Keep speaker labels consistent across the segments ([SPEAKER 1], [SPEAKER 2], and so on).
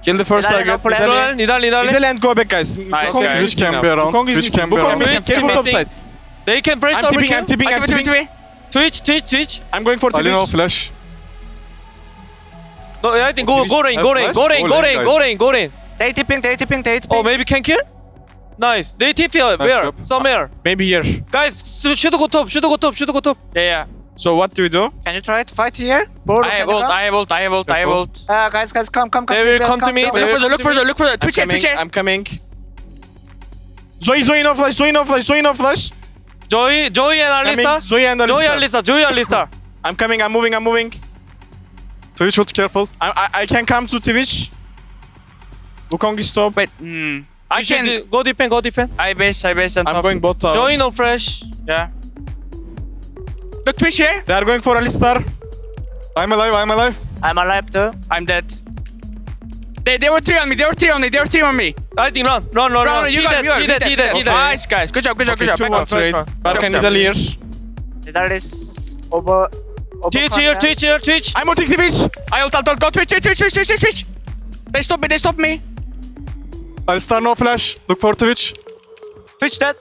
[SPEAKER 1] Kill the first
[SPEAKER 2] Nidali,
[SPEAKER 1] target.
[SPEAKER 2] no flash.
[SPEAKER 1] Nidali and go back, guys.
[SPEAKER 3] Nice,
[SPEAKER 1] Wukong
[SPEAKER 3] guys.
[SPEAKER 1] is
[SPEAKER 4] Twitch
[SPEAKER 1] missing
[SPEAKER 4] can
[SPEAKER 1] now.
[SPEAKER 4] be around.
[SPEAKER 1] Wukong is
[SPEAKER 4] Twitch
[SPEAKER 1] missing.
[SPEAKER 4] can be
[SPEAKER 1] Wukong
[SPEAKER 4] around.
[SPEAKER 1] missing.
[SPEAKER 3] Twitch
[SPEAKER 1] Careful
[SPEAKER 3] missing.
[SPEAKER 1] topside.
[SPEAKER 3] They can press
[SPEAKER 1] I'm tipping,
[SPEAKER 3] overkill.
[SPEAKER 1] I'm tipping, I'm tipping.
[SPEAKER 3] Twitch.
[SPEAKER 1] I'm going for
[SPEAKER 4] Ali no
[SPEAKER 1] Twitch.
[SPEAKER 4] flash.
[SPEAKER 3] No, I think go rain.
[SPEAKER 4] Go lane,
[SPEAKER 3] Go rain.
[SPEAKER 2] They tipping.
[SPEAKER 3] Oh, maybe can kill? Nice. They tip here. Where?
[SPEAKER 4] job.
[SPEAKER 3] Somewhere.
[SPEAKER 1] Maybe here.
[SPEAKER 3] Guys, should go top.
[SPEAKER 5] Yeah.
[SPEAKER 1] So what do we do?
[SPEAKER 2] Can you try to fight here? Boru,
[SPEAKER 5] I
[SPEAKER 2] can
[SPEAKER 5] have
[SPEAKER 2] you
[SPEAKER 5] ult,
[SPEAKER 2] come?
[SPEAKER 5] I have ult.
[SPEAKER 2] Guys, come.
[SPEAKER 3] They will come to me.
[SPEAKER 2] come.
[SPEAKER 3] They will
[SPEAKER 5] Look for the. Twitch here.
[SPEAKER 1] I'm coming. Zoe no flash.
[SPEAKER 3] Joey and
[SPEAKER 1] Coming.
[SPEAKER 3] Alistar.
[SPEAKER 1] Zoe and Alistar.
[SPEAKER 3] Joey and Alistar.
[SPEAKER 1] I'm coming, I'm moving.
[SPEAKER 4] Twitch ult, careful.
[SPEAKER 1] I can come to Twitch. Wukong is top.
[SPEAKER 5] Wait. I
[SPEAKER 3] You should
[SPEAKER 5] can.
[SPEAKER 3] go defend.
[SPEAKER 5] I base on
[SPEAKER 1] I'm
[SPEAKER 5] top.
[SPEAKER 1] going bot tower.
[SPEAKER 3] Joey no fresh.
[SPEAKER 5] Yeah. Look, Twitch here.
[SPEAKER 1] They are going for Alistar.
[SPEAKER 4] I'm alive.
[SPEAKER 2] I'm alive too.
[SPEAKER 5] I'm dead. They were three on me.
[SPEAKER 3] I think run.
[SPEAKER 5] Run, you got
[SPEAKER 3] He dead.
[SPEAKER 5] Nice, guys. Good job.
[SPEAKER 1] Okay,
[SPEAKER 5] Back
[SPEAKER 1] 2-1
[SPEAKER 5] off.
[SPEAKER 1] trade. Barkan Nidali here.
[SPEAKER 2] Nidali is over.
[SPEAKER 3] Twitch here.
[SPEAKER 1] I'm ulting Twitch.
[SPEAKER 5] I ult. Go Twitch. They stop me.
[SPEAKER 4] Alistar no flash. Look for Twitch.
[SPEAKER 2] Twitch dead.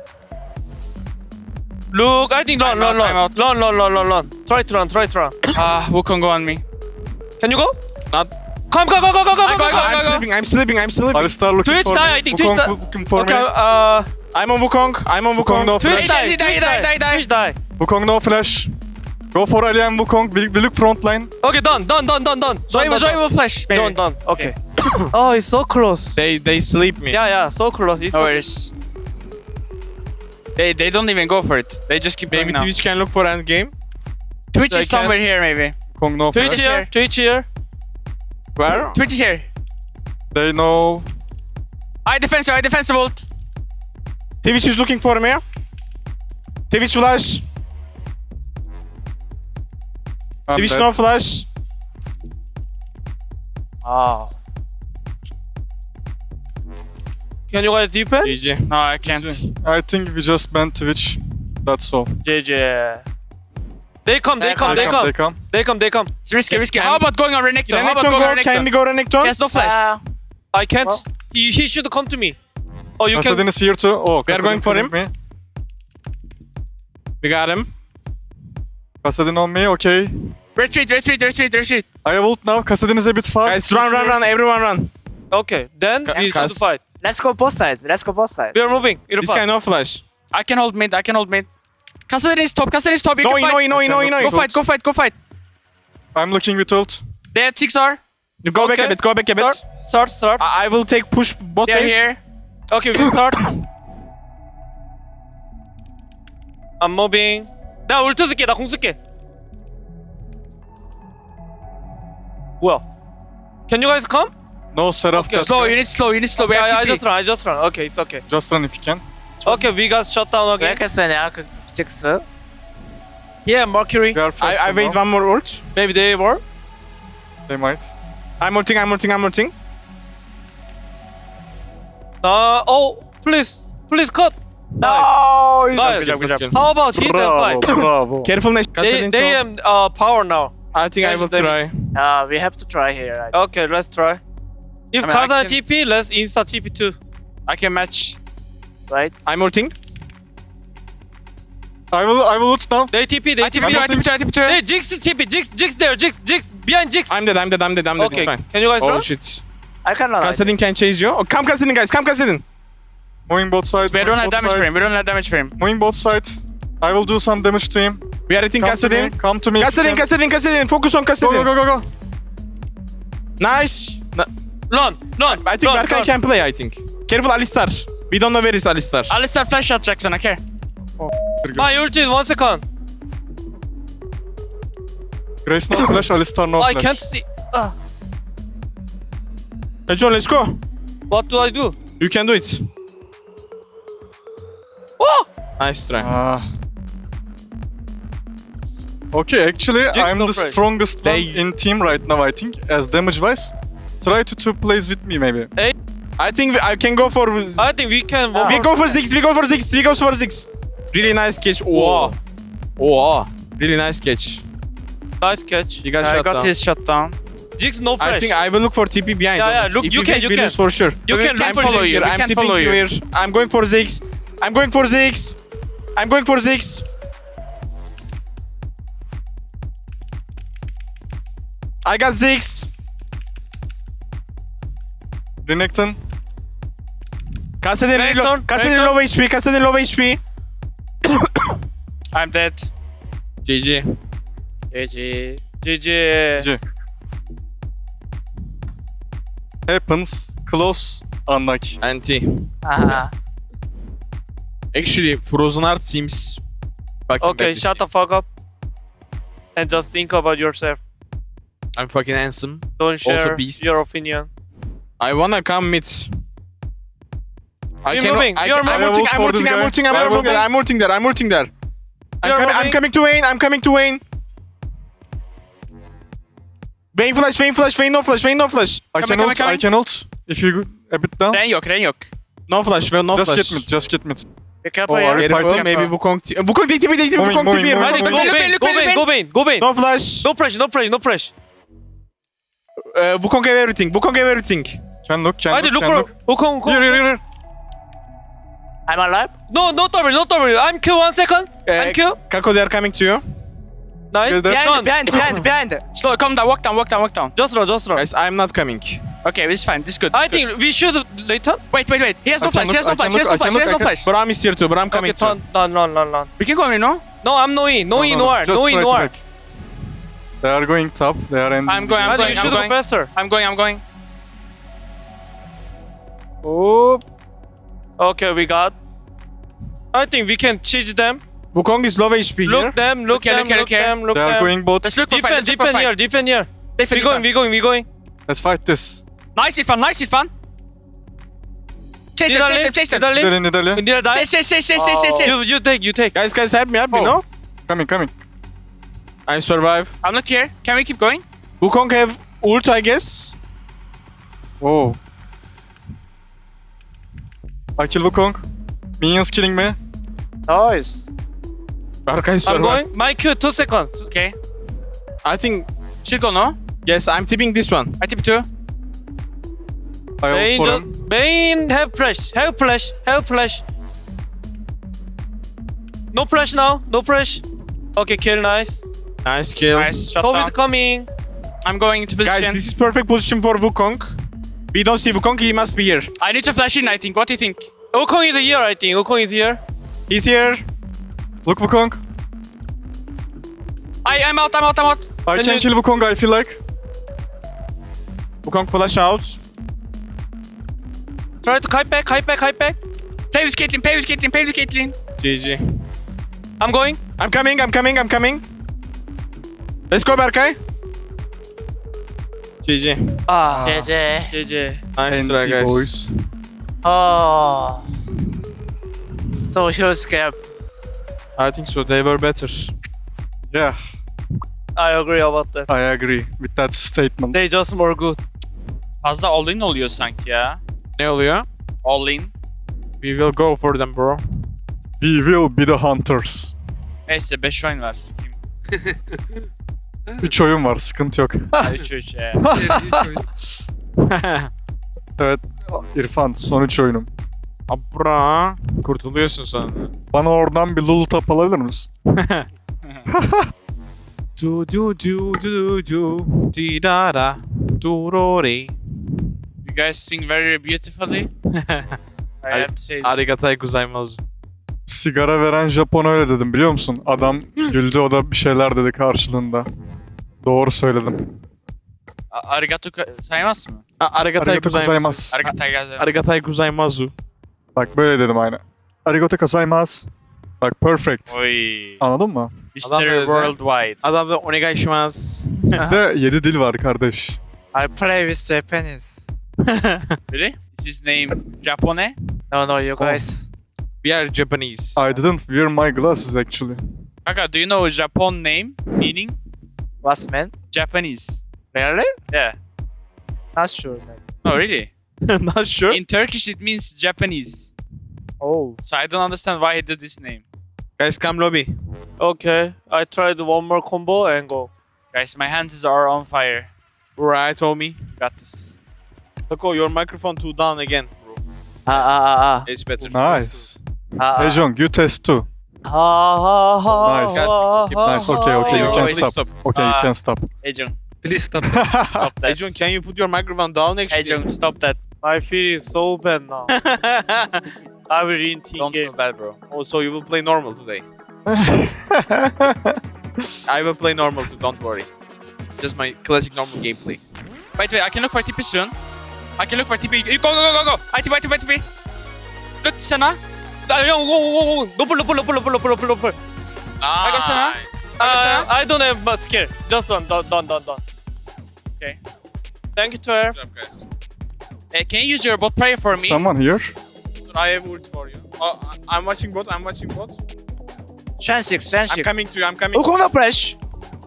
[SPEAKER 3] Look, I think run.
[SPEAKER 5] I'm out.
[SPEAKER 3] Run. Try to run.
[SPEAKER 5] Wukong go on me.
[SPEAKER 3] Can you go?
[SPEAKER 1] Not.
[SPEAKER 3] Come. Go.
[SPEAKER 1] I'm sleeping.
[SPEAKER 4] Alistar looking
[SPEAKER 3] Twitch
[SPEAKER 4] for
[SPEAKER 3] die,
[SPEAKER 4] me.
[SPEAKER 3] I think Twitch
[SPEAKER 4] Wukong
[SPEAKER 3] die.
[SPEAKER 4] looking for
[SPEAKER 3] Okay,
[SPEAKER 4] me.
[SPEAKER 1] I'm on Wukong.
[SPEAKER 4] Wukong no
[SPEAKER 3] Twitch
[SPEAKER 4] flash.
[SPEAKER 3] die.
[SPEAKER 5] Die.
[SPEAKER 3] Twitch die.
[SPEAKER 4] Wukong no flash. Go for Ali and Wukong. We look front line.
[SPEAKER 3] Okay, done.
[SPEAKER 5] Zoe will flash. Maybe.
[SPEAKER 3] Done. Okay. Oh, it's so close.
[SPEAKER 1] They sleep me.
[SPEAKER 3] Yeah, so close. It's
[SPEAKER 5] No
[SPEAKER 3] okay.
[SPEAKER 5] worries. They don't even go for it. They just keep
[SPEAKER 1] Maybe
[SPEAKER 5] going now.
[SPEAKER 1] Twitch can look for end game.
[SPEAKER 5] Twitch
[SPEAKER 3] They
[SPEAKER 5] is somewhere here, maybe.
[SPEAKER 4] Wukong no
[SPEAKER 3] Twitch
[SPEAKER 4] flash.
[SPEAKER 3] here.
[SPEAKER 1] Where?
[SPEAKER 5] Twitch is here.
[SPEAKER 4] They know.
[SPEAKER 5] I defensive ult.
[SPEAKER 1] Twitch is looking for me. Twitch flash.
[SPEAKER 4] I'm
[SPEAKER 1] Twitch
[SPEAKER 4] dead.
[SPEAKER 1] no flash.
[SPEAKER 2] Oh.
[SPEAKER 3] Can you guys defend?
[SPEAKER 1] GG.
[SPEAKER 5] No, I can't.
[SPEAKER 4] I think we just banned Twitch. That's all.
[SPEAKER 3] JJ. They come.
[SPEAKER 4] They come.
[SPEAKER 5] It's risky.
[SPEAKER 1] Can-
[SPEAKER 5] How about going on Renekton?
[SPEAKER 1] Can we go Renekton?
[SPEAKER 5] He has no flash.
[SPEAKER 3] I can't.
[SPEAKER 2] Well.
[SPEAKER 3] He should come to me. Oh, you
[SPEAKER 4] Kassadin
[SPEAKER 3] can.
[SPEAKER 4] is here too. Oh,
[SPEAKER 1] We are going
[SPEAKER 4] Kassadin
[SPEAKER 1] for
[SPEAKER 4] killed
[SPEAKER 1] him.
[SPEAKER 4] me.
[SPEAKER 1] We got him.
[SPEAKER 4] Kassadin on me. Okay.
[SPEAKER 5] Retreat.
[SPEAKER 4] I have ult now. Kassadin is a bit far.
[SPEAKER 1] Guys, run. Everyone run.
[SPEAKER 3] Okay, then we start to fight.
[SPEAKER 2] Let's go both sides.
[SPEAKER 3] We are moving.
[SPEAKER 1] This guy no flash.
[SPEAKER 5] I can hold mid. Kassadin is top. You
[SPEAKER 1] No,
[SPEAKER 5] can fight.
[SPEAKER 1] no.
[SPEAKER 5] Go fight.
[SPEAKER 4] I'm looking with ult.
[SPEAKER 5] They had 6R.
[SPEAKER 1] You go back a bit.
[SPEAKER 3] Start.
[SPEAKER 1] I will take push bot
[SPEAKER 5] They're
[SPEAKER 1] lane.
[SPEAKER 5] here.
[SPEAKER 3] Okay, we start. I'm moving. 나 울트 쓸게. 나 공 쓸게. 뭐야? Can you guys come?
[SPEAKER 4] No Seraph.
[SPEAKER 3] Okay,
[SPEAKER 4] that
[SPEAKER 5] Slow.
[SPEAKER 4] guy.
[SPEAKER 5] You need slow. We have
[SPEAKER 3] I
[SPEAKER 5] to
[SPEAKER 3] just run. Okay, it's okay.
[SPEAKER 4] Just run if you can.
[SPEAKER 3] Okay, we got shut down
[SPEAKER 2] 왜
[SPEAKER 3] again.
[SPEAKER 2] 이렇게 세냐 그 GX.
[SPEAKER 3] Yeah, Mercury.
[SPEAKER 4] We are fast
[SPEAKER 1] I wait
[SPEAKER 4] now.
[SPEAKER 1] one more ult.
[SPEAKER 3] Maybe they were.
[SPEAKER 4] They might.
[SPEAKER 1] I'm ulting.
[SPEAKER 3] Oh, please cut.
[SPEAKER 2] No.
[SPEAKER 3] Nice.
[SPEAKER 1] Good job.
[SPEAKER 3] How about hit and fight?
[SPEAKER 4] Bravo.
[SPEAKER 1] Careful, Nash.
[SPEAKER 3] They power now.
[SPEAKER 1] I think I will try.
[SPEAKER 2] We have to try here.
[SPEAKER 3] Okay, let's try. If
[SPEAKER 5] I mean, I
[SPEAKER 3] Kazan
[SPEAKER 5] can-
[SPEAKER 3] TP, let's insta TP too.
[SPEAKER 5] I can match.
[SPEAKER 2] Right?
[SPEAKER 1] I'm ulting.
[SPEAKER 4] I will ult now.
[SPEAKER 3] They TP.
[SPEAKER 5] I TP2.
[SPEAKER 3] Hey, Jinx TP. Jinx there. Jinx behind Jinx.
[SPEAKER 1] I'm dead. It's
[SPEAKER 3] Okay,
[SPEAKER 1] fine.
[SPEAKER 3] can you guys
[SPEAKER 1] Oh
[SPEAKER 3] run?
[SPEAKER 1] shit.
[SPEAKER 2] I can run.
[SPEAKER 1] Kassadin can chase you. Oh, come Kassadin, guys. Come Kassadin.
[SPEAKER 4] Moving both sides.
[SPEAKER 5] We don't have
[SPEAKER 4] both
[SPEAKER 5] damage
[SPEAKER 4] sides.
[SPEAKER 5] for him.
[SPEAKER 4] Moving both sides. I will do some damage to him.
[SPEAKER 1] We are hitting
[SPEAKER 4] Come to me.
[SPEAKER 1] Kassadin.
[SPEAKER 4] Come to me.
[SPEAKER 1] Kassadin. Focus on Kassadin.
[SPEAKER 4] Go.
[SPEAKER 1] Nice.
[SPEAKER 3] Run.
[SPEAKER 1] I think Berkay can play, I think. Careful, Alistar. We don't know where is Alistar.
[SPEAKER 5] Alistar flash shot Jackson. Okay.
[SPEAKER 3] My ulti is 1 second.
[SPEAKER 4] Grace no flash. Alistar no
[SPEAKER 3] I
[SPEAKER 4] flash.
[SPEAKER 3] can't see.
[SPEAKER 1] Hey, John, let's go.
[SPEAKER 3] What do I do?
[SPEAKER 1] You can do it.
[SPEAKER 3] Oh!
[SPEAKER 1] Nice try.
[SPEAKER 4] Okay, actually, I'm
[SPEAKER 3] no
[SPEAKER 4] the
[SPEAKER 3] fresh.
[SPEAKER 4] strongest one
[SPEAKER 1] They-
[SPEAKER 4] in team right now, I think, as damage-wise. Try to two plays with me, maybe.
[SPEAKER 1] I think I can go for...
[SPEAKER 3] I think we can.
[SPEAKER 1] We go for 6. We go for 6. Really nice catch. Wow. Really nice catch.
[SPEAKER 3] Nice catch.
[SPEAKER 1] You got
[SPEAKER 5] I
[SPEAKER 1] shot
[SPEAKER 5] got
[SPEAKER 1] down.
[SPEAKER 5] his shot down.
[SPEAKER 3] Jigs no flash.
[SPEAKER 1] I think I will look for TP behind.
[SPEAKER 3] Yeah,
[SPEAKER 1] honest.
[SPEAKER 3] look,
[SPEAKER 1] If
[SPEAKER 3] you can,
[SPEAKER 1] get,
[SPEAKER 3] you
[SPEAKER 1] we
[SPEAKER 3] can.
[SPEAKER 1] lose for sure.
[SPEAKER 3] You can
[SPEAKER 5] can
[SPEAKER 3] look for
[SPEAKER 5] follow
[SPEAKER 3] Jig.
[SPEAKER 5] you.
[SPEAKER 1] I'm
[SPEAKER 5] can
[SPEAKER 1] tipping
[SPEAKER 5] follow you.
[SPEAKER 1] here. I'm going for Ziggs. I'm going for Ziggs. I'm going for Ziggs. I got Ziggs.
[SPEAKER 4] Renekton.
[SPEAKER 1] Kassadin
[SPEAKER 3] Renekton,
[SPEAKER 1] Kassadin
[SPEAKER 3] Renekton.
[SPEAKER 1] low HP. Kassadin low HP.
[SPEAKER 5] I'm dead.
[SPEAKER 1] GG.
[SPEAKER 2] GG.
[SPEAKER 3] GG.
[SPEAKER 4] GG. Happens. Close. Unlucky.
[SPEAKER 1] Anti.
[SPEAKER 2] Uh-huh.
[SPEAKER 1] Actually, Frozen Heart seems fucking
[SPEAKER 3] Okay,
[SPEAKER 1] bad this
[SPEAKER 3] shut the
[SPEAKER 1] game.
[SPEAKER 3] fuck up. And just think about yourself.
[SPEAKER 1] I'm fucking handsome.
[SPEAKER 3] Don't share
[SPEAKER 1] beast.
[SPEAKER 3] your opinion.
[SPEAKER 1] I wanna come mid.
[SPEAKER 3] We're moving, we are
[SPEAKER 1] I'm
[SPEAKER 3] moving.
[SPEAKER 1] ulting, I'm
[SPEAKER 4] for this
[SPEAKER 1] ulting, I'm
[SPEAKER 4] guy.
[SPEAKER 1] ulting, I'm
[SPEAKER 3] We are
[SPEAKER 1] ulting there,
[SPEAKER 3] moving.
[SPEAKER 1] I'm ulting there, I'm ulting there.
[SPEAKER 3] We are
[SPEAKER 1] I'm
[SPEAKER 3] moving.
[SPEAKER 1] coming to Vayne, I'm coming to Vayne. Vayne flash, Vayne flash, Vayne no flash, Vayne no flash.
[SPEAKER 4] I
[SPEAKER 5] Coming,
[SPEAKER 4] can
[SPEAKER 5] coming,
[SPEAKER 4] ult. I
[SPEAKER 5] coming.
[SPEAKER 4] can ult. If you go a bit down.
[SPEAKER 5] Ren yok.
[SPEAKER 1] No flash, Vayne no
[SPEAKER 4] Just
[SPEAKER 1] flash.
[SPEAKER 4] get mid. Just get mid.
[SPEAKER 2] Be careful
[SPEAKER 4] Oh,
[SPEAKER 2] here.
[SPEAKER 4] are you
[SPEAKER 1] Careful,
[SPEAKER 4] fighting?
[SPEAKER 1] maybe Wukong Wukong DTP,
[SPEAKER 4] Moving,
[SPEAKER 1] Wukong
[SPEAKER 4] moving,
[SPEAKER 1] TP.
[SPEAKER 4] moving.
[SPEAKER 3] Hadi go
[SPEAKER 5] Look,
[SPEAKER 3] Bane,
[SPEAKER 5] look,
[SPEAKER 3] go
[SPEAKER 5] look,
[SPEAKER 3] Bane,
[SPEAKER 5] look.
[SPEAKER 3] go Bane, go Bane.
[SPEAKER 1] No flash.
[SPEAKER 3] No pressure, no pressure, no pressure.
[SPEAKER 1] Wukong gave everything, Wukong gave everything.
[SPEAKER 4] Can look. Can
[SPEAKER 3] Hadi
[SPEAKER 4] look.
[SPEAKER 3] look
[SPEAKER 4] Can
[SPEAKER 3] for
[SPEAKER 4] look.
[SPEAKER 3] Wukong.
[SPEAKER 4] Here, here, here.
[SPEAKER 2] I'm alive.
[SPEAKER 3] No, not double, not double. I'm Q 1 second. I'm Q.
[SPEAKER 1] Kako, they are coming to you.
[SPEAKER 3] Nice.
[SPEAKER 4] Get there.
[SPEAKER 2] Behind,
[SPEAKER 3] Done.
[SPEAKER 2] behind.
[SPEAKER 5] Slow, calm down, walk down.
[SPEAKER 3] Just run, just run.
[SPEAKER 1] Guys, I'm not coming.
[SPEAKER 5] Okay, this is fine. This is good.
[SPEAKER 3] I think we should later.
[SPEAKER 5] Wait. He has no
[SPEAKER 4] I
[SPEAKER 5] flash.
[SPEAKER 4] can
[SPEAKER 5] He has
[SPEAKER 4] look,
[SPEAKER 5] no
[SPEAKER 4] I
[SPEAKER 5] flash.
[SPEAKER 4] can
[SPEAKER 5] He has no
[SPEAKER 4] look, I
[SPEAKER 5] flash.
[SPEAKER 4] can
[SPEAKER 5] He has no
[SPEAKER 4] look, I
[SPEAKER 5] flash.
[SPEAKER 1] Bram is here too, Bram coming
[SPEAKER 3] Okay,
[SPEAKER 1] too.
[SPEAKER 3] run.
[SPEAKER 5] We can go in, no?
[SPEAKER 3] No, I'm no E. No E, no R.
[SPEAKER 4] Just
[SPEAKER 3] No E,
[SPEAKER 4] try
[SPEAKER 3] no
[SPEAKER 4] to
[SPEAKER 3] R.
[SPEAKER 4] make. They are going top. They are ending.
[SPEAKER 5] I'm going, I'm
[SPEAKER 3] Hadi
[SPEAKER 5] going,
[SPEAKER 3] we should
[SPEAKER 5] I'm
[SPEAKER 3] go
[SPEAKER 5] going.
[SPEAKER 3] faster.
[SPEAKER 5] I'm going.
[SPEAKER 3] Oh. Okay, we got. I think we can cheese them.
[SPEAKER 1] Wukong is low HP here.
[SPEAKER 3] Look them, look
[SPEAKER 5] Okay,
[SPEAKER 3] them,
[SPEAKER 5] look here,
[SPEAKER 3] look
[SPEAKER 5] look here.
[SPEAKER 3] them, look
[SPEAKER 4] They are
[SPEAKER 3] them.
[SPEAKER 4] going both.
[SPEAKER 5] Let's look for fight.
[SPEAKER 3] Defend here, defend here. We going.
[SPEAKER 4] Let's fight this.
[SPEAKER 5] Nice, Irfan. Chase them.
[SPEAKER 3] Nidalee.
[SPEAKER 4] Nidalee.
[SPEAKER 3] Indira die.
[SPEAKER 5] Chase.
[SPEAKER 3] You take.
[SPEAKER 1] Guys, help me,
[SPEAKER 4] Oh.
[SPEAKER 1] no?
[SPEAKER 4] Coming.
[SPEAKER 1] I survive.
[SPEAKER 5] I'm not here. Can we keep going?
[SPEAKER 1] Wukong have ult, I guess.
[SPEAKER 4] Whoa. I kill Wukong. Minions killing me.
[SPEAKER 2] Nice.
[SPEAKER 1] Berkay
[SPEAKER 3] I'm
[SPEAKER 1] survive.
[SPEAKER 3] going. My Q 2 seconds.
[SPEAKER 5] Okay.
[SPEAKER 1] I think,
[SPEAKER 5] Should go, no?
[SPEAKER 1] yes, I'm tipping this one.
[SPEAKER 5] I tip 2.
[SPEAKER 4] I ult
[SPEAKER 3] Bane,
[SPEAKER 4] for him.
[SPEAKER 3] Bane have flash. No flash now, no flash. Okay, kill, nice.
[SPEAKER 1] Nice kill.
[SPEAKER 5] Nice, shut
[SPEAKER 3] Kobe
[SPEAKER 5] down.
[SPEAKER 3] is coming.
[SPEAKER 5] I'm going into position.
[SPEAKER 1] Guys, this is perfect position for Wukong. We don't see Wukong, he must be here.
[SPEAKER 5] I need to flash in, I think. What do you think?
[SPEAKER 3] Wukong is here, I think. Wukong is here.
[SPEAKER 1] He's here.
[SPEAKER 4] Look Wukong.
[SPEAKER 5] I'm out.
[SPEAKER 4] I
[SPEAKER 3] Can
[SPEAKER 4] can
[SPEAKER 3] you-
[SPEAKER 4] kill Wukong, I feel like.
[SPEAKER 1] Wukong flash out.
[SPEAKER 3] Try to kite back.
[SPEAKER 5] Play with Caitlyn.
[SPEAKER 1] GG.
[SPEAKER 3] I'm going.
[SPEAKER 1] I'm coming. Let's go, Berkay. GG.
[SPEAKER 3] Ah,
[SPEAKER 2] JJ.
[SPEAKER 3] GG.
[SPEAKER 1] Nice try,
[SPEAKER 4] NT
[SPEAKER 1] guys.
[SPEAKER 4] boys.
[SPEAKER 2] Oh. So huge gap.
[SPEAKER 1] I think so, they were better.
[SPEAKER 4] Yeah,
[SPEAKER 3] I agree about that.
[SPEAKER 4] I agree with that statement.
[SPEAKER 3] They just more good.
[SPEAKER 5] Fazla all-in oluyor sanki ya.
[SPEAKER 1] Ne oluyor?
[SPEAKER 5] All-in.
[SPEAKER 1] We will go for them, bro.
[SPEAKER 4] We will be the hunters.
[SPEAKER 5] Neyse 5 oyun var. Kim?
[SPEAKER 4] 3 oyun var, sıkıntı yok.
[SPEAKER 5] 3-3 ya.
[SPEAKER 4] Evet, İrfan son 3 oyunum.
[SPEAKER 1] Abra. Kurtuluyorsun sonra.
[SPEAKER 4] Bana oradan bir lulu tap alabilir misin?
[SPEAKER 1] Di da da. Durori.
[SPEAKER 5] You guys sing very beautifully. I have to say.
[SPEAKER 1] Arigatai gozaimasu.
[SPEAKER 4] Sigara veren Japon öyle dedim biliyor musun? Adam güldü, o da bir şeyler dedi karşılığında. Doğru söyledim.
[SPEAKER 5] Arigato saymaz mı?
[SPEAKER 1] Arigatai
[SPEAKER 4] Arigato
[SPEAKER 1] gozaimasu.
[SPEAKER 4] gozaimasu.
[SPEAKER 1] Arigatai gozaimasu.
[SPEAKER 4] Bak böyle dedim aynı. Arigato gozaimasu. Bak perfect.
[SPEAKER 5] Oy.
[SPEAKER 4] Anladın mı?
[SPEAKER 5] Mystery
[SPEAKER 1] Adam dedi.
[SPEAKER 5] Worldwide.
[SPEAKER 1] Adamda onegai shimasu.
[SPEAKER 4] Bizde 7 dil var kardeş.
[SPEAKER 2] I play with Japanese.
[SPEAKER 5] Really? Is his name Japone?
[SPEAKER 2] No, you guys.
[SPEAKER 1] We are Japanese.
[SPEAKER 4] I didn't wear my glasses actually.
[SPEAKER 5] Kaka, do you know Japon name meaning?
[SPEAKER 2] What's man?
[SPEAKER 5] Japanese.
[SPEAKER 2] Really?
[SPEAKER 5] Yeah.
[SPEAKER 2] Not sure, man.
[SPEAKER 5] No, really.
[SPEAKER 1] Not sure.
[SPEAKER 5] In Turkish it means Japanese.
[SPEAKER 2] Oh.
[SPEAKER 5] So I don't understand why he did this name.
[SPEAKER 1] Guys, come lobby.
[SPEAKER 3] Okay, I tried one more combo and go.
[SPEAKER 5] Guys, my hands are on fire.
[SPEAKER 1] Right, homie.
[SPEAKER 3] Got this.
[SPEAKER 1] Coco, your microphone too down again, bro. It's better.
[SPEAKER 4] Nice. Hey Jong, you test too. Nice. Nice. Okay. You can
[SPEAKER 1] Please
[SPEAKER 4] stop.
[SPEAKER 1] stop.
[SPEAKER 4] Okay, you can stop.
[SPEAKER 3] Hey Jung,
[SPEAKER 6] Please stop.
[SPEAKER 3] stop that.
[SPEAKER 1] Hey, John, can you put your microphone down
[SPEAKER 3] Hey
[SPEAKER 1] actually?
[SPEAKER 3] Jung, stop that.
[SPEAKER 2] My feeling is so bad now.
[SPEAKER 3] I will in team
[SPEAKER 2] Don't
[SPEAKER 3] game.
[SPEAKER 2] feel bad, bro.
[SPEAKER 1] Also, you will play normal today. I will play normal too, don't worry. Just my classic normal gameplay.
[SPEAKER 5] Wait, I can look for TP soon. I can look for TP. You go. ITP. Look, Senna.
[SPEAKER 3] Go. Nople.
[SPEAKER 5] I got Senna.
[SPEAKER 3] I don't have much skill. Just one. Done. Okay. Thank you, Twer.
[SPEAKER 1] Good job, guys.
[SPEAKER 5] Can you use your bot prayer for me?
[SPEAKER 4] Someone here?
[SPEAKER 1] I have ult for you. Oh, I'm watching bot.
[SPEAKER 2] Shen 6.
[SPEAKER 1] I'm coming to you.
[SPEAKER 2] Wukong no press.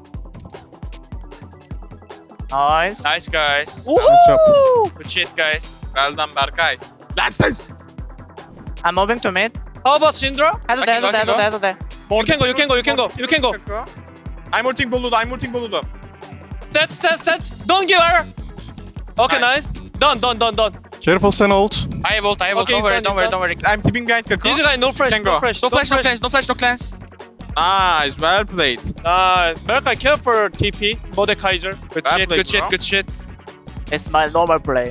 [SPEAKER 2] Nice.
[SPEAKER 5] Nice, guys.
[SPEAKER 2] Woohoo!
[SPEAKER 5] Good shit, guys.
[SPEAKER 1] Well done, Berkay. Last this.
[SPEAKER 2] I'm moving to mid.
[SPEAKER 3] How about Syndra?
[SPEAKER 2] Head to there.
[SPEAKER 3] You can go.
[SPEAKER 1] I'm ulting Boludo.
[SPEAKER 3] Set. Don't give her. Okay, nice. Done.
[SPEAKER 4] Careful, Sen ult.
[SPEAKER 5] I have ult.
[SPEAKER 3] Okay,
[SPEAKER 5] Don't worry.
[SPEAKER 1] I'm tipping behind Kako.
[SPEAKER 3] This guy no fresh.
[SPEAKER 1] Can go.
[SPEAKER 5] No flash, no cleanse.
[SPEAKER 1] Nice, well played.
[SPEAKER 3] Berkay, care for TP. Mordekaiser.
[SPEAKER 5] Good
[SPEAKER 1] Bad
[SPEAKER 5] shit,
[SPEAKER 1] play,
[SPEAKER 5] good shit,
[SPEAKER 1] bro.
[SPEAKER 5] good shit.
[SPEAKER 2] It's my normal play.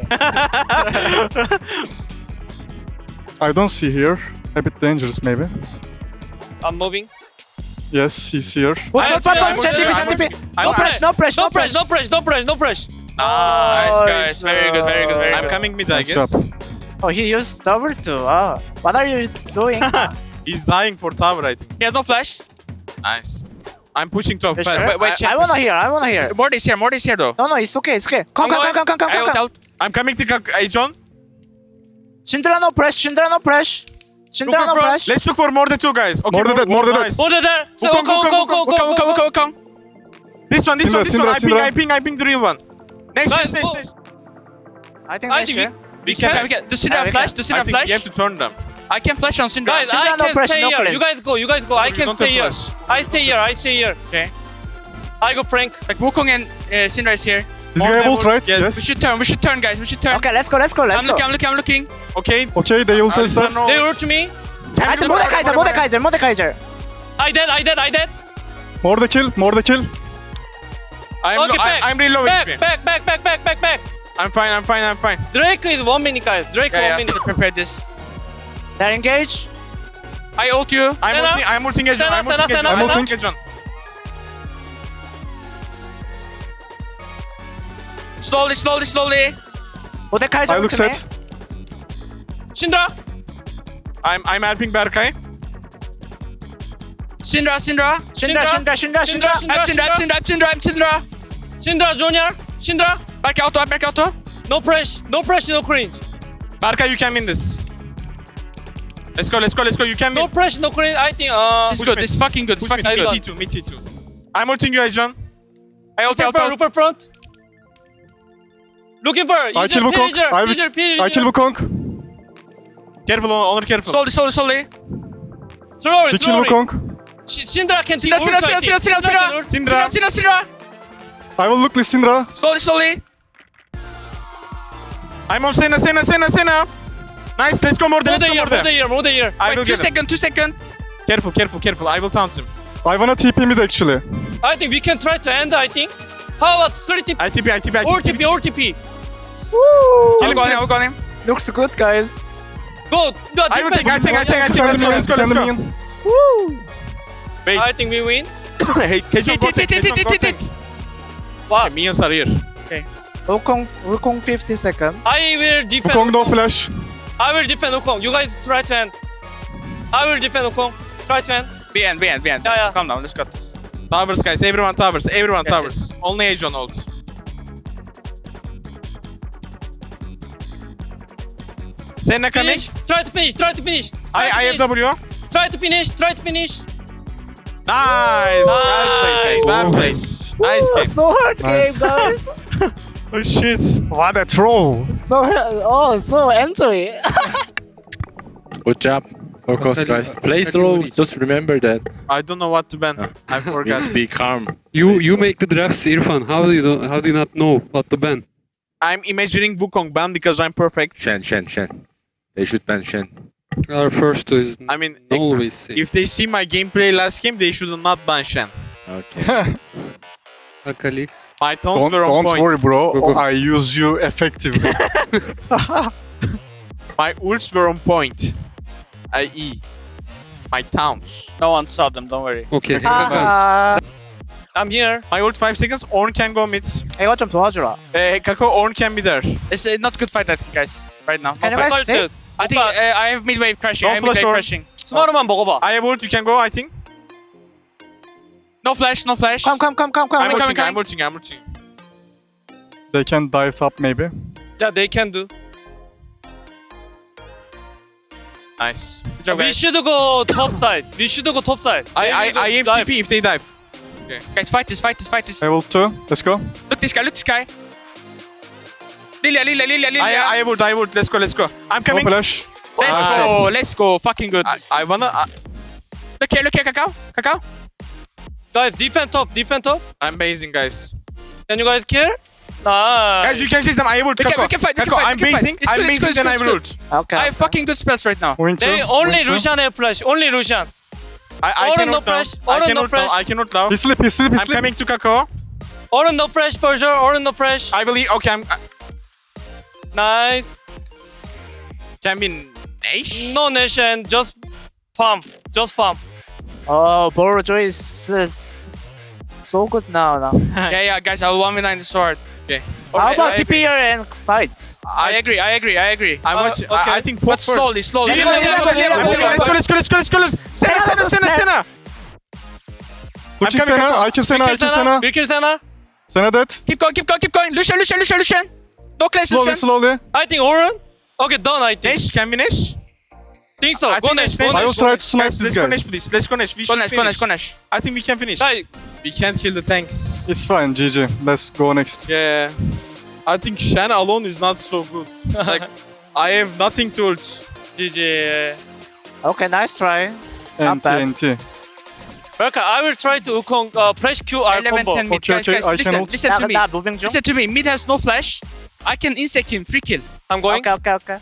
[SPEAKER 4] I don't see here. A bit dangerous, maybe.
[SPEAKER 3] I'm moving.
[SPEAKER 4] Yes, he's here.
[SPEAKER 3] I'm
[SPEAKER 2] Shen TP. No press.
[SPEAKER 3] No press.
[SPEAKER 5] Nice, guys. Very good.
[SPEAKER 1] I'm coming mid, I
[SPEAKER 4] Nice
[SPEAKER 1] guess.
[SPEAKER 4] job.
[SPEAKER 2] Oh, he used tower too. Oh, what are you doing?
[SPEAKER 1] He's dying for tower, I think.
[SPEAKER 5] He has no flash.
[SPEAKER 1] Nice. I'm pushing top
[SPEAKER 2] Yes,
[SPEAKER 1] fast.
[SPEAKER 2] sure.
[SPEAKER 5] Wait,
[SPEAKER 2] I wanna hear.
[SPEAKER 5] Morty's here though.
[SPEAKER 2] No, it's okay. Come.
[SPEAKER 5] I ult out.
[SPEAKER 1] I'm coming to Hey, John.
[SPEAKER 2] Syndra no press.
[SPEAKER 1] Let's look for more than two guys. Okay,
[SPEAKER 4] More than that.
[SPEAKER 3] Morde there. So
[SPEAKER 1] Wukong,
[SPEAKER 3] go.
[SPEAKER 1] This one.
[SPEAKER 4] Syndra.
[SPEAKER 1] I ping the real one. Next.
[SPEAKER 3] Guys,
[SPEAKER 2] I think
[SPEAKER 3] I
[SPEAKER 2] that's
[SPEAKER 3] think
[SPEAKER 2] sure.
[SPEAKER 1] We
[SPEAKER 5] Can
[SPEAKER 1] can.
[SPEAKER 5] we get? Does Syndra
[SPEAKER 2] we
[SPEAKER 5] flash?
[SPEAKER 2] can.
[SPEAKER 5] Does
[SPEAKER 1] I
[SPEAKER 5] Syndra
[SPEAKER 1] think
[SPEAKER 5] flash?
[SPEAKER 1] you have to turn them.
[SPEAKER 5] I can flash on Syndra.
[SPEAKER 3] Guys, I
[SPEAKER 2] Syndra, no
[SPEAKER 3] can
[SPEAKER 2] pressure,
[SPEAKER 3] stay
[SPEAKER 2] no
[SPEAKER 3] here.
[SPEAKER 2] cleanse.
[SPEAKER 3] You guys go. I can
[SPEAKER 1] Don't
[SPEAKER 3] stay here.
[SPEAKER 1] flash.
[SPEAKER 3] I stay here.
[SPEAKER 5] Okay.
[SPEAKER 3] I go Frank.
[SPEAKER 5] Like Wukong and Syndra is here.
[SPEAKER 4] This guy have ult, right?
[SPEAKER 1] Yes.
[SPEAKER 5] We should turn, guys. We should turn.
[SPEAKER 2] Okay, let's go.
[SPEAKER 5] I'm looking.
[SPEAKER 1] Okay.
[SPEAKER 4] Okay, they ult us up.
[SPEAKER 3] They hurt me.
[SPEAKER 2] I said Mordekaiser.
[SPEAKER 3] I dead.
[SPEAKER 4] More the kill.
[SPEAKER 1] I'm really low HP.
[SPEAKER 3] Back.
[SPEAKER 1] I'm fine.
[SPEAKER 3] Drake is 1 minute, guys. Drake 1
[SPEAKER 5] Yeah,
[SPEAKER 3] minute.
[SPEAKER 5] prepare this.
[SPEAKER 2] They're engaged.
[SPEAKER 5] I ult you.
[SPEAKER 1] I'm ulting Ejon.
[SPEAKER 3] Senna.
[SPEAKER 4] I'm ulting.
[SPEAKER 1] Ejon.
[SPEAKER 5] Slowly.
[SPEAKER 2] Mordekaiser
[SPEAKER 4] I look
[SPEAKER 2] to me.
[SPEAKER 4] set.
[SPEAKER 3] Syndra.
[SPEAKER 1] I'm helping Berkay.
[SPEAKER 5] Syndra.
[SPEAKER 2] Syndra.
[SPEAKER 5] I'm Syndra.
[SPEAKER 3] Syndra Junior. Syndra.
[SPEAKER 5] Back auto.
[SPEAKER 3] No pressure, no cringe.
[SPEAKER 1] Berkay, you can win this. Let's go. You can
[SPEAKER 3] No
[SPEAKER 1] win.
[SPEAKER 3] pressure, no cringe. I think
[SPEAKER 5] This is
[SPEAKER 1] Push
[SPEAKER 5] good.
[SPEAKER 1] me.
[SPEAKER 5] This is fucking good.
[SPEAKER 1] Push me. Mid T2. I'm ulting you, Ejon.
[SPEAKER 5] I ult.
[SPEAKER 3] Roofer front. Looking for
[SPEAKER 4] I kill Wukong. I kill Wukong.
[SPEAKER 1] Careful, Honor, careful.
[SPEAKER 5] Slowly.
[SPEAKER 4] They kill Wukong.
[SPEAKER 3] Syndra can take
[SPEAKER 5] Syndra.
[SPEAKER 4] I will look Lissindra.
[SPEAKER 5] Slowly.
[SPEAKER 1] I'm on Senna. Nice, let's go more there.
[SPEAKER 3] More there.
[SPEAKER 1] I will
[SPEAKER 5] Wait,
[SPEAKER 1] get him.
[SPEAKER 5] 2 seconds.
[SPEAKER 1] Careful. I will taunt him.
[SPEAKER 4] I wanna TP mid actually.
[SPEAKER 3] I think we can try to end, I think. How about 30
[SPEAKER 1] I TP.
[SPEAKER 3] or TP?
[SPEAKER 1] Kill him.
[SPEAKER 5] I'll go on him.
[SPEAKER 2] Looks good, guys.
[SPEAKER 3] Go.
[SPEAKER 1] I will take.
[SPEAKER 4] Defend the
[SPEAKER 1] Let's go.
[SPEAKER 4] minion.
[SPEAKER 1] Wait.
[SPEAKER 3] I think we win.
[SPEAKER 1] Hey, Kejon, go take.
[SPEAKER 3] Wow.
[SPEAKER 1] Minions are here.
[SPEAKER 2] Wukong 50 seconds.
[SPEAKER 3] I will defend.
[SPEAKER 4] Wukong no flash.
[SPEAKER 3] I will defend Wukong. You guys try to end. I will defend Wukong. Try to end.
[SPEAKER 5] Be end.
[SPEAKER 3] Yeah.
[SPEAKER 5] Calm down. Let's got this.
[SPEAKER 1] Towers, guys. Everyone towers.
[SPEAKER 5] Yes.
[SPEAKER 1] Only Ejon ult. Senna coming.
[SPEAKER 3] Finish. Try to finish.
[SPEAKER 1] I have W.
[SPEAKER 3] Try to finish.
[SPEAKER 1] Nice. Well played. Nice game.
[SPEAKER 2] So hard
[SPEAKER 4] Nice.
[SPEAKER 2] game, guys.
[SPEAKER 1] Oh shit.
[SPEAKER 4] What a troll.
[SPEAKER 2] So entry.
[SPEAKER 6] Good job. Focus, guys. Play slow. Just remember that.
[SPEAKER 1] I don't know what to ban. I forgot.
[SPEAKER 6] Be calm.
[SPEAKER 7] You make the drafts, Irfan. How do you not know what to ban?
[SPEAKER 1] I'm imagining Wukong ban because I'm perfect.
[SPEAKER 6] Shen. They should ban Shen.
[SPEAKER 7] Our first is
[SPEAKER 1] I mean,
[SPEAKER 7] always safe.
[SPEAKER 1] if they see my gameplay last game, they should not ban Shen.
[SPEAKER 6] Okay.
[SPEAKER 7] Akali.
[SPEAKER 1] My tones were on
[SPEAKER 4] Don't
[SPEAKER 1] point.
[SPEAKER 4] worry, bro.
[SPEAKER 7] Go, go.
[SPEAKER 4] I use you effectively.
[SPEAKER 1] My ults were on point. I.e. my towns.
[SPEAKER 2] No one saw them, don't worry.
[SPEAKER 7] Okay.
[SPEAKER 2] 아,
[SPEAKER 3] I'm here.
[SPEAKER 1] My ult 5 seconds, Ornn can go mid.
[SPEAKER 2] 이거 좀 도와주라.
[SPEAKER 1] Kako, Ornn can be there.
[SPEAKER 5] It's not good fight, I think, guys. Right now.
[SPEAKER 2] Can you
[SPEAKER 5] No fight.
[SPEAKER 2] guys say?
[SPEAKER 5] I think I have mid wave crashing.
[SPEAKER 1] No
[SPEAKER 5] I have mid
[SPEAKER 1] flash
[SPEAKER 5] wave
[SPEAKER 1] or-
[SPEAKER 5] crashing.
[SPEAKER 3] 스마르만 먹어봐.
[SPEAKER 1] I have ult, you can go, I think.
[SPEAKER 5] No flash. No flash.
[SPEAKER 2] Come.
[SPEAKER 1] I'm
[SPEAKER 5] coming,
[SPEAKER 1] ulting.
[SPEAKER 4] They can dive top maybe.
[SPEAKER 3] Yeah, they can do.
[SPEAKER 1] Nice.
[SPEAKER 5] Good job,
[SPEAKER 3] We
[SPEAKER 5] guys.
[SPEAKER 3] should go top side. We should go top side.
[SPEAKER 1] I have
[SPEAKER 3] dive.
[SPEAKER 1] TP if they dive.
[SPEAKER 5] Guys, fight this.
[SPEAKER 4] Level 2. Let's go.
[SPEAKER 5] Look this guy. Lilia.
[SPEAKER 1] I have ult. Let's go. I'm
[SPEAKER 4] No
[SPEAKER 1] coming.
[SPEAKER 4] flash.
[SPEAKER 5] Let's go. Fucking good.
[SPEAKER 1] I wanna...
[SPEAKER 5] Look here, Kakao.
[SPEAKER 3] Guys, defend top.
[SPEAKER 1] I'm basing, guys.
[SPEAKER 3] Can you guys kill?
[SPEAKER 1] Guys,
[SPEAKER 3] Nice.
[SPEAKER 1] you can chase them. I have ult.
[SPEAKER 5] We can
[SPEAKER 1] Kako,
[SPEAKER 5] fight, we can
[SPEAKER 1] Kako,
[SPEAKER 5] fight,
[SPEAKER 1] I'm
[SPEAKER 5] we can fight.
[SPEAKER 1] basing.
[SPEAKER 5] It's
[SPEAKER 1] I'm
[SPEAKER 5] good, it's
[SPEAKER 1] basing,
[SPEAKER 5] good,
[SPEAKER 1] then I
[SPEAKER 5] it's
[SPEAKER 1] have
[SPEAKER 5] good,
[SPEAKER 1] ult.
[SPEAKER 2] Okay.
[SPEAKER 5] I have fucking good spells right now.
[SPEAKER 4] Moving two.
[SPEAKER 3] They only
[SPEAKER 4] moving two.
[SPEAKER 3] Lucian have flash. Only Lucian.
[SPEAKER 1] I
[SPEAKER 3] Oren
[SPEAKER 1] can
[SPEAKER 3] no
[SPEAKER 1] ult now.
[SPEAKER 3] flash,
[SPEAKER 1] I
[SPEAKER 3] Oren
[SPEAKER 1] can
[SPEAKER 3] no
[SPEAKER 1] ult now.
[SPEAKER 3] flash.
[SPEAKER 1] I can ult now.
[SPEAKER 4] He's sleep.
[SPEAKER 1] I'm coming to Kako.
[SPEAKER 3] Oren no flash for sure. Oren no flash.
[SPEAKER 1] I believe... Okay, I'm...
[SPEAKER 3] Nice.
[SPEAKER 1] Can be Nash?
[SPEAKER 3] No nation. Just farm.
[SPEAKER 2] Oh, Boruto is so good now.
[SPEAKER 5] Yeah, guys, I'll 1v9 the sword.
[SPEAKER 2] How about
[SPEAKER 3] I agree.
[SPEAKER 2] TP and fight?
[SPEAKER 5] I agree.
[SPEAKER 1] I watch...
[SPEAKER 3] okay.
[SPEAKER 1] I think
[SPEAKER 5] But
[SPEAKER 1] pop first.
[SPEAKER 5] slowly.
[SPEAKER 1] Let's go. Senna.
[SPEAKER 4] Looking
[SPEAKER 1] coming,
[SPEAKER 4] Senna.
[SPEAKER 1] Kako.
[SPEAKER 4] I kill Senna. I kill Senna.
[SPEAKER 3] We kill Senna.
[SPEAKER 4] Senna dead.
[SPEAKER 5] Keep going. Lucian. No clash,
[SPEAKER 4] Slowly,
[SPEAKER 5] Lucian.
[SPEAKER 4] slowly.
[SPEAKER 3] I think Oren. Okay, done. I think.
[SPEAKER 1] Nash, can we Nash?
[SPEAKER 3] Think so.
[SPEAKER 1] I
[SPEAKER 3] Go
[SPEAKER 1] think
[SPEAKER 3] next.
[SPEAKER 1] Nash.
[SPEAKER 4] I will try to snipe
[SPEAKER 1] Guys,
[SPEAKER 4] this
[SPEAKER 1] let's go
[SPEAKER 4] guy.
[SPEAKER 1] Nash, please. Let's go Nash. We should finish.
[SPEAKER 5] Go Nash.
[SPEAKER 1] I think we can finish.
[SPEAKER 3] Guys,
[SPEAKER 1] We can't kill the tanks.
[SPEAKER 4] It's fine. GG. Let's go next.
[SPEAKER 1] Yeah. I think Shen alone is not so good. Like, I have nothing to ult.
[SPEAKER 3] GG.
[SPEAKER 2] Okay, nice try. Not
[SPEAKER 4] NT,
[SPEAKER 2] bad.
[SPEAKER 4] NT.
[SPEAKER 3] Okay, I will try to Wukong press Q R
[SPEAKER 5] 11,
[SPEAKER 3] combo.
[SPEAKER 5] 10 mid.
[SPEAKER 4] Okay,
[SPEAKER 5] Guys,
[SPEAKER 4] okay, I can
[SPEAKER 5] listen
[SPEAKER 4] ult.
[SPEAKER 5] to me.
[SPEAKER 2] 나 moving 중.
[SPEAKER 5] Listen to me. Mid has no flash. I can insect him. Free kill.
[SPEAKER 3] I'm going.
[SPEAKER 2] Okay.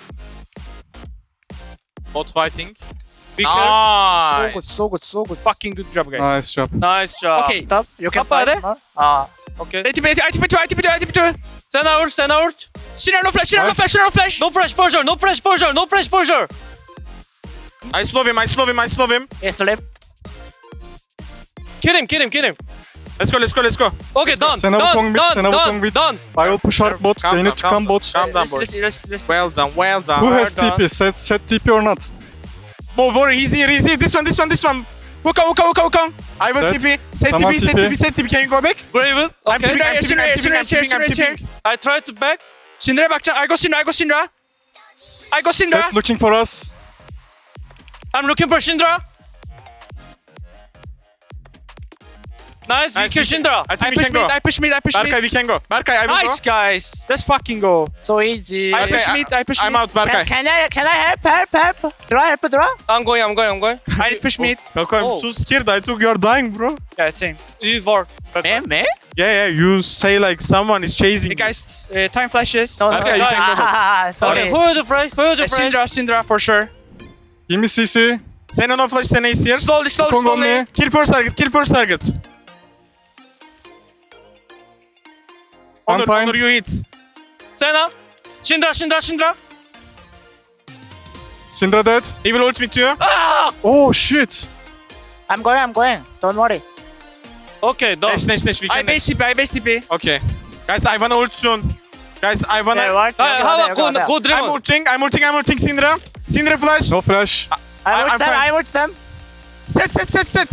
[SPEAKER 1] Bot fighting.
[SPEAKER 3] Be careful.
[SPEAKER 1] Nice.
[SPEAKER 2] So good.
[SPEAKER 5] Fucking good job, guys.
[SPEAKER 4] Nice job.
[SPEAKER 3] Nice job.
[SPEAKER 5] Okay.
[SPEAKER 2] Top, you can
[SPEAKER 3] Top
[SPEAKER 2] fight more. Ah,
[SPEAKER 3] Okay.
[SPEAKER 5] ITP2.
[SPEAKER 3] Stand out.
[SPEAKER 5] Sinra no flash.
[SPEAKER 3] No flash for sure.
[SPEAKER 1] I slow him.
[SPEAKER 2] yes, left.
[SPEAKER 3] Kill him.
[SPEAKER 1] Let's go.
[SPEAKER 3] Okay, done.
[SPEAKER 4] Senna Wukong mid, Senna Wukong mid.
[SPEAKER 3] Done.
[SPEAKER 4] I will push hard bot. They need to come bot.
[SPEAKER 1] Calm down, boys.
[SPEAKER 5] Let's
[SPEAKER 1] Well done.
[SPEAKER 4] Who has
[SPEAKER 3] done.
[SPEAKER 4] TP? Set TP or not?
[SPEAKER 1] Move over. Easy. This one.
[SPEAKER 5] Wukong.
[SPEAKER 1] I will
[SPEAKER 4] Set.
[SPEAKER 1] TP. Set
[SPEAKER 4] Come on,
[SPEAKER 1] TP. Can you go back?
[SPEAKER 3] Gravel.
[SPEAKER 1] I'm
[SPEAKER 3] Okay.
[SPEAKER 1] TPing.
[SPEAKER 3] I try to back.
[SPEAKER 5] Syndra bakacak. I go Syndra.
[SPEAKER 4] Set looking for us.
[SPEAKER 3] I'm looking for Syndra. Nice, we
[SPEAKER 1] Nice,
[SPEAKER 3] kill
[SPEAKER 1] we can-
[SPEAKER 3] Syndra.
[SPEAKER 1] I
[SPEAKER 5] I
[SPEAKER 1] think we
[SPEAKER 5] push
[SPEAKER 1] can go.
[SPEAKER 5] mid.
[SPEAKER 1] Berkay, we can go. Berkay, I will
[SPEAKER 5] Nice,
[SPEAKER 1] go.
[SPEAKER 5] guys. Let's fucking go.
[SPEAKER 2] So easy.
[SPEAKER 5] I
[SPEAKER 1] Okay,
[SPEAKER 5] push mid.
[SPEAKER 1] I'm out, Berkay.
[SPEAKER 2] Can I help? Draw.
[SPEAKER 3] I'm going.
[SPEAKER 5] I need push mid.
[SPEAKER 1] Berkay, I'm
[SPEAKER 3] Oh.
[SPEAKER 1] so scared. I thought you are dying, bro.
[SPEAKER 5] Yeah, same.
[SPEAKER 3] Use war.
[SPEAKER 2] Me?
[SPEAKER 1] Yeah. You say like someone is chasing.
[SPEAKER 5] Hey, guys, time flashes.
[SPEAKER 2] No.
[SPEAKER 1] Okay, you can go first.
[SPEAKER 2] Sorry.
[SPEAKER 3] Okay, who is the friend?
[SPEAKER 5] Syndra for sure.
[SPEAKER 4] Give me CC.
[SPEAKER 1] Senna no flash. Senna is here.
[SPEAKER 5] Slowly.
[SPEAKER 4] Wukong on me.
[SPEAKER 1] Kill first target.
[SPEAKER 4] I'm fine.
[SPEAKER 1] Honor, you hit.
[SPEAKER 3] Senna. Syndra.
[SPEAKER 4] Syndra dead.
[SPEAKER 1] He will ult me too.
[SPEAKER 4] Oh shit.
[SPEAKER 2] I'm going. Don't worry.
[SPEAKER 3] Okay, done.
[SPEAKER 1] Nash. We
[SPEAKER 5] I
[SPEAKER 1] can
[SPEAKER 5] base TP.
[SPEAKER 1] Okay. Guys, I wanna ult soon. Guys, I wanna...
[SPEAKER 2] Okay, what?
[SPEAKER 3] How about go
[SPEAKER 1] I'm
[SPEAKER 3] Draven?
[SPEAKER 1] ulting Syndra. Syndra flash.
[SPEAKER 4] No flash.
[SPEAKER 1] I'm fine.
[SPEAKER 2] I watch them.
[SPEAKER 1] Set.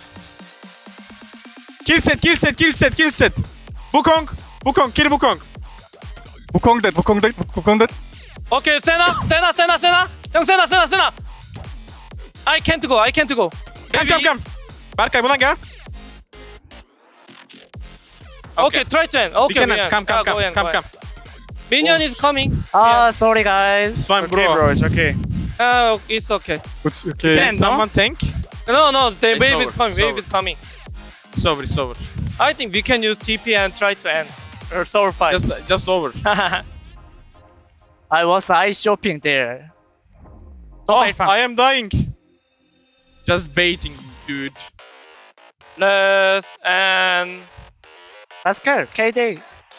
[SPEAKER 1] Kill set. Wukong, kill Wukong.
[SPEAKER 4] Wukong dead.
[SPEAKER 3] Okay, Senna. Young Senna. I can't go.
[SPEAKER 1] Come. Berkay, bulan gel.
[SPEAKER 3] Okay, try to end.
[SPEAKER 1] We
[SPEAKER 3] Okay,
[SPEAKER 1] can
[SPEAKER 3] Minion.
[SPEAKER 1] come.
[SPEAKER 3] Go, Ian. Minion is coming.
[SPEAKER 2] Oh, sorry guys.
[SPEAKER 1] It's fine,
[SPEAKER 5] Okay, bro. It's okay.
[SPEAKER 3] It's okay.
[SPEAKER 4] It's okay.
[SPEAKER 1] Can someone tank?
[SPEAKER 3] No, the
[SPEAKER 1] It's
[SPEAKER 3] wave
[SPEAKER 1] over,
[SPEAKER 3] is coming.
[SPEAKER 1] it's
[SPEAKER 3] Wave
[SPEAKER 1] over.
[SPEAKER 3] is coming.
[SPEAKER 1] It's over, it's over.
[SPEAKER 3] I think we can use TP and try to end. Or sour fight.
[SPEAKER 1] Just over.
[SPEAKER 2] I was ice shopping there.
[SPEAKER 1] Oh,
[SPEAKER 5] play fun.
[SPEAKER 1] I am dying. Just baiting, dude.
[SPEAKER 3] Let's end.
[SPEAKER 2] Let's go, KD.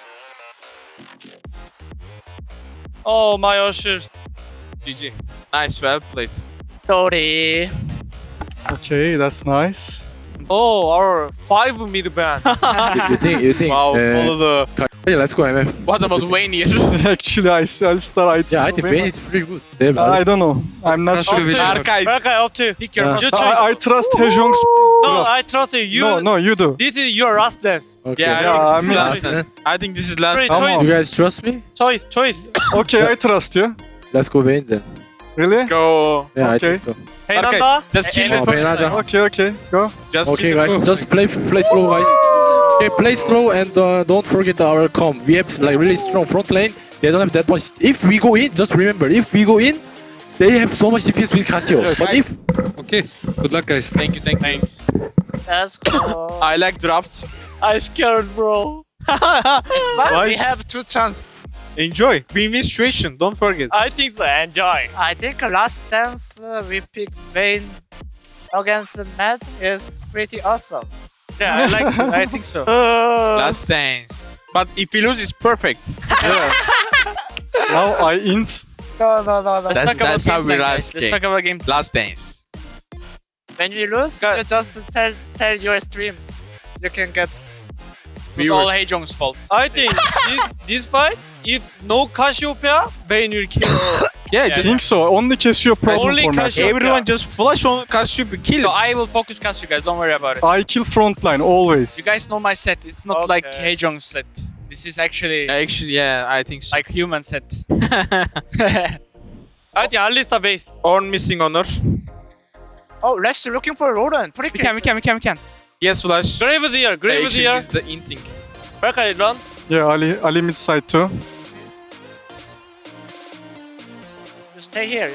[SPEAKER 3] Oh, my ushers.
[SPEAKER 1] GG. Nice, well played.
[SPEAKER 2] Sorry.
[SPEAKER 4] Okay, that's nice.
[SPEAKER 3] Oh, our 5 mid ban.
[SPEAKER 6] You think?
[SPEAKER 1] Wow, all of the...
[SPEAKER 6] Yeah, let's go MF.
[SPEAKER 1] What about Wayne here?
[SPEAKER 4] Actually, I'll start IT.
[SPEAKER 6] Yeah, I think Vayne is pretty good. They
[SPEAKER 4] I don't know. I'm not
[SPEAKER 7] That's
[SPEAKER 4] sure.
[SPEAKER 7] really
[SPEAKER 1] Berkay.
[SPEAKER 3] Okay, up to you.
[SPEAKER 5] Pick your
[SPEAKER 6] Yeah.
[SPEAKER 5] most
[SPEAKER 3] You choose.
[SPEAKER 4] I trust Hejong's
[SPEAKER 3] No,
[SPEAKER 4] draft.
[SPEAKER 3] I trust you. You.
[SPEAKER 4] No, you do.
[SPEAKER 3] This is your last dance.
[SPEAKER 6] Okay.
[SPEAKER 1] Yeah,
[SPEAKER 4] Yeah,
[SPEAKER 1] I think
[SPEAKER 4] I
[SPEAKER 1] this is
[SPEAKER 4] mean-
[SPEAKER 1] last dance. I think this is last
[SPEAKER 3] Great
[SPEAKER 1] dance.
[SPEAKER 4] Come
[SPEAKER 3] choice.
[SPEAKER 4] on.
[SPEAKER 6] You guys trust me?
[SPEAKER 3] Choice.
[SPEAKER 4] Okay, I trust you.
[SPEAKER 6] Let's go Vayne then.
[SPEAKER 4] Really?
[SPEAKER 1] Let's go.
[SPEAKER 6] Yeah, I
[SPEAKER 4] Okay.
[SPEAKER 6] think so.
[SPEAKER 3] Hey,
[SPEAKER 1] Okay,
[SPEAKER 3] Nanda.
[SPEAKER 1] just kill
[SPEAKER 3] Hey,
[SPEAKER 1] it
[SPEAKER 6] Oh,
[SPEAKER 1] for
[SPEAKER 6] Vayne Nanda.
[SPEAKER 4] Okay, go.
[SPEAKER 1] Just
[SPEAKER 6] Okay,
[SPEAKER 1] kill it.
[SPEAKER 6] guys, just play slow, guys. Okay, play slow and don't forget our comp. We have like really strong front lane. They don't have that much. If we go in, just remember, if we go in, they have so much DPS with Casio. But if
[SPEAKER 7] Okay, good luck, guys.
[SPEAKER 1] Thank you.
[SPEAKER 2] Let's go.
[SPEAKER 1] I like draft.
[SPEAKER 3] I scared, bro.
[SPEAKER 2] It's fine. We
[SPEAKER 1] Nice.
[SPEAKER 2] have 2 chances.
[SPEAKER 1] Enjoy. Win-win situation. Don't forget.
[SPEAKER 3] I think so. Enjoy.
[SPEAKER 2] I think last dance we pick Vayne against Matt is pretty awesome.
[SPEAKER 3] Yeah, I like so. I think so.
[SPEAKER 1] Last dance. But if we lose, it's perfect.
[SPEAKER 4] Now I int.
[SPEAKER 2] No.
[SPEAKER 3] Let's
[SPEAKER 1] That's-
[SPEAKER 3] talk about
[SPEAKER 1] that's how
[SPEAKER 3] game
[SPEAKER 1] we
[SPEAKER 3] plan,
[SPEAKER 1] rise
[SPEAKER 3] guys. Let's
[SPEAKER 1] game.
[SPEAKER 3] talk about game.
[SPEAKER 1] Last dance.
[SPEAKER 2] When we lose,
[SPEAKER 3] Guys.
[SPEAKER 2] you just tell your stream. You can get.
[SPEAKER 5] It was all
[SPEAKER 1] Viewers.
[SPEAKER 5] Hejong's fault.
[SPEAKER 3] I think this fight, if no Cassiopeia, Vayne will kill.
[SPEAKER 1] Yeah,
[SPEAKER 4] I
[SPEAKER 1] just
[SPEAKER 4] think so. Only Casio present
[SPEAKER 3] Only
[SPEAKER 4] for me.
[SPEAKER 3] Casio.
[SPEAKER 1] everyone just flash on Cassiopeia. Kill
[SPEAKER 5] So
[SPEAKER 1] it.
[SPEAKER 5] I will focus cast you guys, don't worry about it.
[SPEAKER 4] I kill frontline always.
[SPEAKER 5] You guys know my set. It's not like
[SPEAKER 3] Okay.
[SPEAKER 5] Hejong's set. This is actually
[SPEAKER 1] Actually, yeah, I think so.
[SPEAKER 5] like human set.
[SPEAKER 3] I think Alista base.
[SPEAKER 1] Orn missing honor.
[SPEAKER 2] Oh, let's looking for Roland. Pretty
[SPEAKER 5] we can.
[SPEAKER 1] Yes, flash.
[SPEAKER 3] Grave is here. Grave is
[SPEAKER 1] Actually,
[SPEAKER 3] here.
[SPEAKER 1] this is the inting.
[SPEAKER 3] Berkay, run.
[SPEAKER 4] Yeah, Ali mid side too.
[SPEAKER 2] You stay here.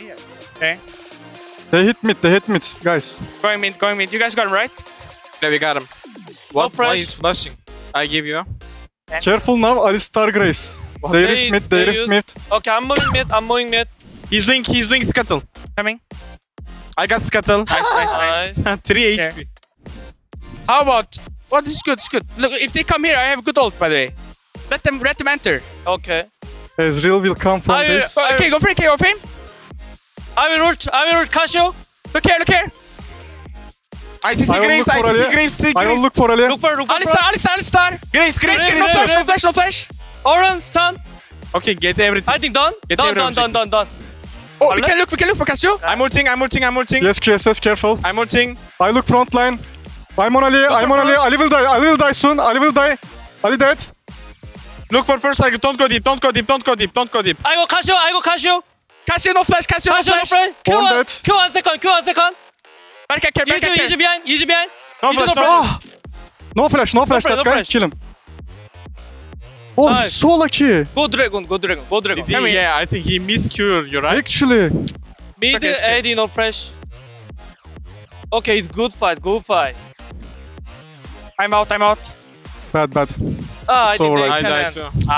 [SPEAKER 4] They hit mid, guys.
[SPEAKER 5] Going mid. You guys got him right?
[SPEAKER 1] Yeah, we got him. What?
[SPEAKER 3] fresh.
[SPEAKER 1] Why is flashing? I give you.
[SPEAKER 4] Careful now, Alistar Grace. They rift mid, they rift
[SPEAKER 3] use-
[SPEAKER 4] mid.
[SPEAKER 3] Okay, I'm moving mid.
[SPEAKER 1] He's doing scuttle.
[SPEAKER 5] Coming.
[SPEAKER 1] I got scuttle.
[SPEAKER 5] Nice.
[SPEAKER 1] 3
[SPEAKER 5] Okay.
[SPEAKER 1] HP.
[SPEAKER 5] How about? Well, this is good. Look, if they come here, I have good ult, by the way. Let them enter.
[SPEAKER 3] Okay.
[SPEAKER 4] Ezreal will come from
[SPEAKER 3] I-
[SPEAKER 4] this.
[SPEAKER 5] Okay, go for it. Go for him.
[SPEAKER 3] I will ult Cassio.
[SPEAKER 5] Look here.
[SPEAKER 1] I see
[SPEAKER 4] I will
[SPEAKER 1] Graves,
[SPEAKER 4] look
[SPEAKER 1] I
[SPEAKER 4] for
[SPEAKER 1] see
[SPEAKER 4] Ali.
[SPEAKER 1] Graves,
[SPEAKER 4] I will look for Ali.
[SPEAKER 3] Look for
[SPEAKER 5] Alistar.
[SPEAKER 1] Graves,
[SPEAKER 5] No flash.
[SPEAKER 3] Orange stun.
[SPEAKER 1] Okay, get everything.
[SPEAKER 3] I think done.
[SPEAKER 1] Get
[SPEAKER 3] Done.
[SPEAKER 1] every
[SPEAKER 3] Done.
[SPEAKER 5] Oh, we can look for Cassio.
[SPEAKER 1] I'm ulting.
[SPEAKER 4] Yes, QSS, careful.
[SPEAKER 1] I'm ulting.
[SPEAKER 4] I look frontline. I'm on Ali. Ali will die soon. Ali will die. Ali dead.
[SPEAKER 1] Look for first cycle. Don't go deep.
[SPEAKER 3] I go Cassio.
[SPEAKER 5] Cassio no flash.
[SPEAKER 3] Cassio no flash.
[SPEAKER 4] One dead.
[SPEAKER 3] Q1 second.
[SPEAKER 5] Berkay care.
[SPEAKER 3] Easy behind.
[SPEAKER 1] No
[SPEAKER 3] Easy,
[SPEAKER 1] flash,
[SPEAKER 3] no
[SPEAKER 1] no.
[SPEAKER 3] flash.
[SPEAKER 4] No flash,
[SPEAKER 3] No
[SPEAKER 4] that
[SPEAKER 3] flash, no
[SPEAKER 4] guy.
[SPEAKER 3] flash.
[SPEAKER 4] Kill him. Oh,
[SPEAKER 3] Nice.
[SPEAKER 4] he's so lucky.
[SPEAKER 3] Go Dragon.
[SPEAKER 1] Yeah, I think he missed cure. You're right.
[SPEAKER 4] Actually.
[SPEAKER 3] Mid
[SPEAKER 5] Okay, it's okay.
[SPEAKER 3] AD no flash. Okay, it's good fight.
[SPEAKER 5] I'm out.
[SPEAKER 4] Bad.
[SPEAKER 3] Ah, I
[SPEAKER 4] It's
[SPEAKER 3] think
[SPEAKER 4] alright.
[SPEAKER 1] I
[SPEAKER 3] they
[SPEAKER 1] died
[SPEAKER 3] can.
[SPEAKER 1] too.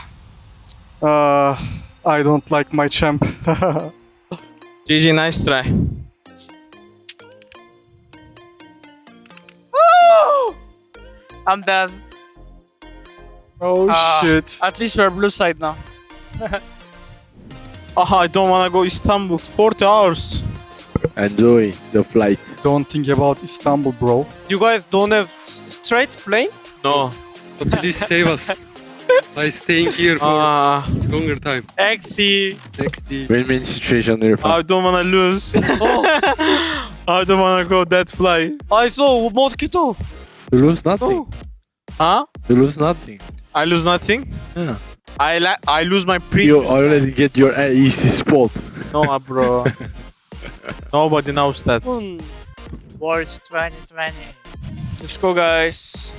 [SPEAKER 4] I don't like my champ.
[SPEAKER 1] GG, nice try.
[SPEAKER 2] I'm dead.
[SPEAKER 4] Oh shit.
[SPEAKER 5] At least we're blue side now.
[SPEAKER 1] I don't wanna go Istanbul. 40 hours.
[SPEAKER 6] enjoy the flight.
[SPEAKER 4] Don't think about Istanbul, bro.
[SPEAKER 3] You guys don't have straight flame?
[SPEAKER 1] No.
[SPEAKER 7] But please save us by staying here for longer time.
[SPEAKER 3] XD.
[SPEAKER 7] XD.
[SPEAKER 6] Win-win situation, Irfan.
[SPEAKER 1] I don't wanna lose. I don't wanna go that fly.
[SPEAKER 3] I saw mosquito.
[SPEAKER 6] You lose nothing.
[SPEAKER 1] Huh?
[SPEAKER 6] You lose nothing.
[SPEAKER 1] I lose nothing.
[SPEAKER 6] Yeah.
[SPEAKER 1] I lose my
[SPEAKER 6] You
[SPEAKER 1] previous.
[SPEAKER 6] already get your easy spot.
[SPEAKER 1] No, bro. Nobody knows that.
[SPEAKER 2] Worlds 2020.
[SPEAKER 5] Let's go, guys.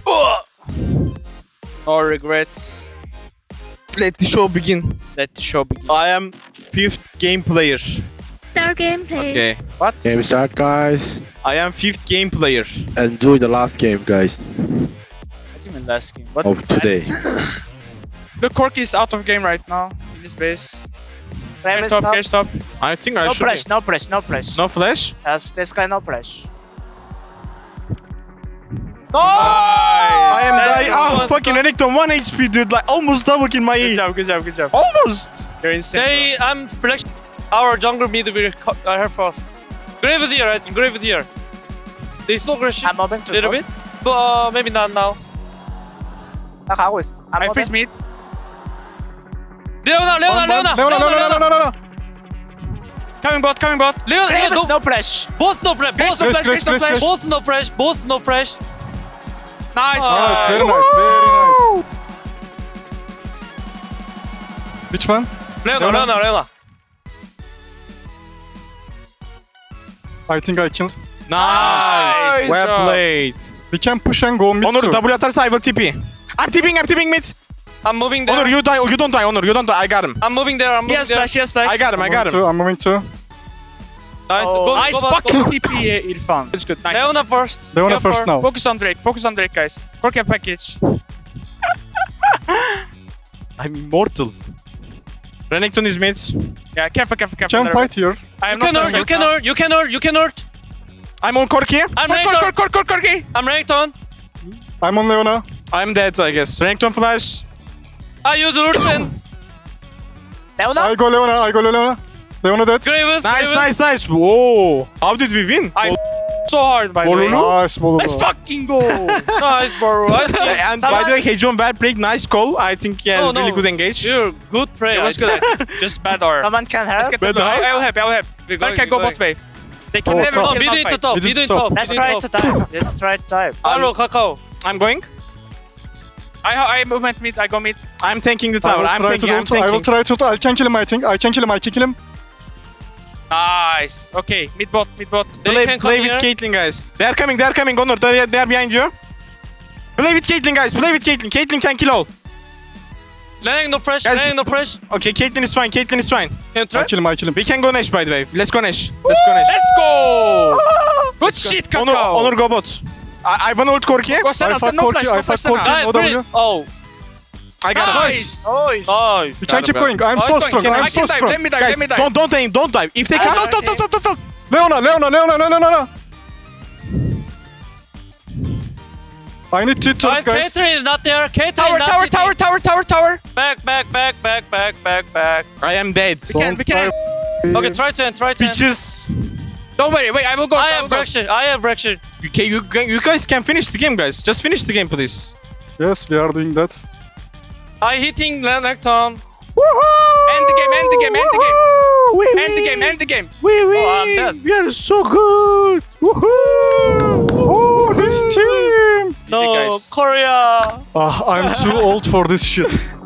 [SPEAKER 5] No regrets.
[SPEAKER 1] Let the show begin.
[SPEAKER 5] Let the show begin.
[SPEAKER 1] I am 5th game player.
[SPEAKER 8] Start gameplay.
[SPEAKER 1] Okay.
[SPEAKER 6] Game start, guys.
[SPEAKER 1] I am 5th game player.
[SPEAKER 6] Enjoy the last game, guys,
[SPEAKER 5] What do you mean last game? What
[SPEAKER 6] of
[SPEAKER 5] is that?
[SPEAKER 6] today.
[SPEAKER 5] Look, Corky is out of game right now in this base.
[SPEAKER 2] Frame is
[SPEAKER 5] Stop,
[SPEAKER 2] top.
[SPEAKER 5] okay, stop.
[SPEAKER 1] I think I
[SPEAKER 2] No
[SPEAKER 1] should.
[SPEAKER 2] press, no press, no press.
[SPEAKER 1] No flash.
[SPEAKER 2] Yes, this guy no press. No!
[SPEAKER 1] I am
[SPEAKER 5] That
[SPEAKER 1] dying.
[SPEAKER 5] was
[SPEAKER 1] Fucking Renekton 1 HP, dude. Like almost double kill my
[SPEAKER 5] Good
[SPEAKER 1] E.
[SPEAKER 5] job, good job, good job.
[SPEAKER 1] Almost.
[SPEAKER 5] You're insane.
[SPEAKER 3] They, I'm prediction. Our jungle mid will have first. Grave is here, I think. Grave is here. They so aggressive.
[SPEAKER 2] I'm moving to
[SPEAKER 3] Little
[SPEAKER 2] top.
[SPEAKER 3] bit. But maybe not now.
[SPEAKER 2] 나 가고 있어. I'm
[SPEAKER 5] I
[SPEAKER 2] moving.
[SPEAKER 5] freeze mid.
[SPEAKER 3] Leona.
[SPEAKER 4] Leona.
[SPEAKER 5] Coming bot, coming bot.
[SPEAKER 3] Leona,
[SPEAKER 2] Frame
[SPEAKER 3] no.
[SPEAKER 2] is no press.
[SPEAKER 3] Both no fresh. Both no
[SPEAKER 1] Please,
[SPEAKER 3] fresh.
[SPEAKER 1] please, please, please.
[SPEAKER 3] Both no fresh. Both no fresh.
[SPEAKER 5] Nice.
[SPEAKER 4] Nice, very nice, very nice. Which one?
[SPEAKER 3] Leona.
[SPEAKER 4] I think I killed.
[SPEAKER 1] Nice. Well
[SPEAKER 5] job.
[SPEAKER 1] played.
[SPEAKER 4] We can push and go mid
[SPEAKER 1] Onur
[SPEAKER 4] too.
[SPEAKER 1] W atarsa I will TP. I'm TPing mid.
[SPEAKER 3] I'm moving there.
[SPEAKER 1] Onur you die. You don't die. Onur you don't die. I got him.
[SPEAKER 3] I'm moving there. I'm
[SPEAKER 5] He
[SPEAKER 3] moving
[SPEAKER 5] has
[SPEAKER 3] there.
[SPEAKER 5] flash, he has flash.
[SPEAKER 1] I got him.
[SPEAKER 4] I'm moving too.
[SPEAKER 3] Nice.
[SPEAKER 2] Oh.
[SPEAKER 3] Go,
[SPEAKER 5] Nice
[SPEAKER 3] go back,
[SPEAKER 5] fucking
[SPEAKER 3] go.
[SPEAKER 5] TP, Irfan. It's good. Nice.
[SPEAKER 3] Leona first.
[SPEAKER 4] Leona
[SPEAKER 3] Careful.
[SPEAKER 4] first now.
[SPEAKER 5] Focus on Drake, guys. Corky package.
[SPEAKER 1] I'm immortal. Renekton is mid.
[SPEAKER 5] Yeah, careful.
[SPEAKER 4] Can fight here.
[SPEAKER 5] I
[SPEAKER 3] You
[SPEAKER 5] am not
[SPEAKER 3] can hurt.
[SPEAKER 5] flashing
[SPEAKER 3] You can
[SPEAKER 5] now.
[SPEAKER 3] hurt. You can hurt. You can hurt.
[SPEAKER 1] I'm on Corki.
[SPEAKER 3] I'm Renekton.
[SPEAKER 5] Corky.
[SPEAKER 3] I'm Renekton.
[SPEAKER 4] I'm on Leona.
[SPEAKER 1] I'm dead, I guess. Renekton flash.
[SPEAKER 3] I use Ursen.
[SPEAKER 2] Leona?
[SPEAKER 4] I go Leona. Leona dead.
[SPEAKER 3] Graves.
[SPEAKER 1] Nice. Whoa. How did we win?
[SPEAKER 5] I so hard by the way.
[SPEAKER 4] Nice, Bolu.
[SPEAKER 5] Let's fucking go.
[SPEAKER 3] Nice, bro.
[SPEAKER 1] Yeah, and by the way, Hejon Ver played nice call. I think he had really good engage.
[SPEAKER 3] You're good play.
[SPEAKER 5] It was good. Just bad R.
[SPEAKER 2] Someone can help?
[SPEAKER 5] Let's get the
[SPEAKER 1] Bad
[SPEAKER 5] blue.
[SPEAKER 1] R?
[SPEAKER 5] I will help.
[SPEAKER 3] We're
[SPEAKER 5] I
[SPEAKER 3] going,
[SPEAKER 5] can go
[SPEAKER 3] we're
[SPEAKER 5] bot
[SPEAKER 3] going.
[SPEAKER 5] wave. They can
[SPEAKER 4] Oh,
[SPEAKER 5] never
[SPEAKER 4] top.
[SPEAKER 3] No,
[SPEAKER 5] kill
[SPEAKER 3] mid
[SPEAKER 5] my
[SPEAKER 3] into
[SPEAKER 5] fight.
[SPEAKER 3] top.
[SPEAKER 4] Mid
[SPEAKER 3] Mid
[SPEAKER 4] into
[SPEAKER 3] into
[SPEAKER 4] top.
[SPEAKER 3] top.
[SPEAKER 2] Let's
[SPEAKER 3] mid
[SPEAKER 2] try
[SPEAKER 3] into
[SPEAKER 2] to
[SPEAKER 3] top.
[SPEAKER 2] dive. Let's try to dive.
[SPEAKER 3] Hello, Kakao.
[SPEAKER 1] I'm going.
[SPEAKER 5] I movement mid. I go mid.
[SPEAKER 1] I'm tanking the
[SPEAKER 4] I
[SPEAKER 1] tower.
[SPEAKER 4] will
[SPEAKER 1] I'm
[SPEAKER 4] try to
[SPEAKER 1] tanking. I'm
[SPEAKER 4] ult. I will
[SPEAKER 1] tanking.
[SPEAKER 4] try to ult. I can kill him, I think. I can kill him.
[SPEAKER 5] Nice. Okay, mid bot.
[SPEAKER 3] They
[SPEAKER 1] Play,
[SPEAKER 3] can
[SPEAKER 1] play
[SPEAKER 3] come
[SPEAKER 1] with
[SPEAKER 3] here.
[SPEAKER 1] Caitlyn, guys. They are coming. Onur, they are behind you. Play with Caitlyn, guys. Play with Caitlyn. Caitlyn can kill all.
[SPEAKER 3] Lenang no fresh.
[SPEAKER 1] Guys,
[SPEAKER 3] Lenang no fresh.
[SPEAKER 1] Okay, Caitlyn is fine.
[SPEAKER 3] Can you
[SPEAKER 4] I
[SPEAKER 3] try?
[SPEAKER 4] kill him.
[SPEAKER 1] We can go Nesh, by the way. Let's go Nesh.
[SPEAKER 5] Let's go. Good shit, Kakao.
[SPEAKER 1] Onur go bot. I want ult Corki.
[SPEAKER 5] Go
[SPEAKER 4] I
[SPEAKER 5] Senna.
[SPEAKER 4] fuck
[SPEAKER 5] No flash.
[SPEAKER 4] Corki,
[SPEAKER 5] No
[SPEAKER 4] I
[SPEAKER 5] flash.
[SPEAKER 4] fuck Corki.
[SPEAKER 5] Senna.
[SPEAKER 4] No W.
[SPEAKER 3] Oh,
[SPEAKER 1] I got him.
[SPEAKER 5] Nice.
[SPEAKER 2] Nice.
[SPEAKER 3] nice.
[SPEAKER 4] We can keep going. I'm
[SPEAKER 3] I
[SPEAKER 4] so
[SPEAKER 3] can-
[SPEAKER 4] strong.
[SPEAKER 5] I
[SPEAKER 4] I'm
[SPEAKER 5] can
[SPEAKER 4] so
[SPEAKER 5] dive.
[SPEAKER 4] strong.
[SPEAKER 5] Let me dive.
[SPEAKER 1] Guys,
[SPEAKER 5] Let me dive.
[SPEAKER 1] don't dive. If they come,
[SPEAKER 2] Don't.
[SPEAKER 4] Leona. I need to talk,
[SPEAKER 3] Guys,
[SPEAKER 4] guys.
[SPEAKER 3] Catherine is not there. Catherine
[SPEAKER 5] Tower.
[SPEAKER 3] not tower. Back.
[SPEAKER 1] I am dead.
[SPEAKER 5] We can.
[SPEAKER 3] Okay, try to end.
[SPEAKER 1] Bitches.
[SPEAKER 5] Don't worry. Wait, I will go.
[SPEAKER 3] I have Braxton.
[SPEAKER 1] Okay, you guys can finish the game, guys. Just finish the game, please.
[SPEAKER 4] Yes, we are doing that.
[SPEAKER 3] I hitting Lenacton.
[SPEAKER 5] End the game. End the game.
[SPEAKER 3] I'm dead.
[SPEAKER 1] We are so good.
[SPEAKER 4] Oh, this team.
[SPEAKER 3] No,
[SPEAKER 5] guys.
[SPEAKER 3] Korea.
[SPEAKER 4] I'm too old for this shit.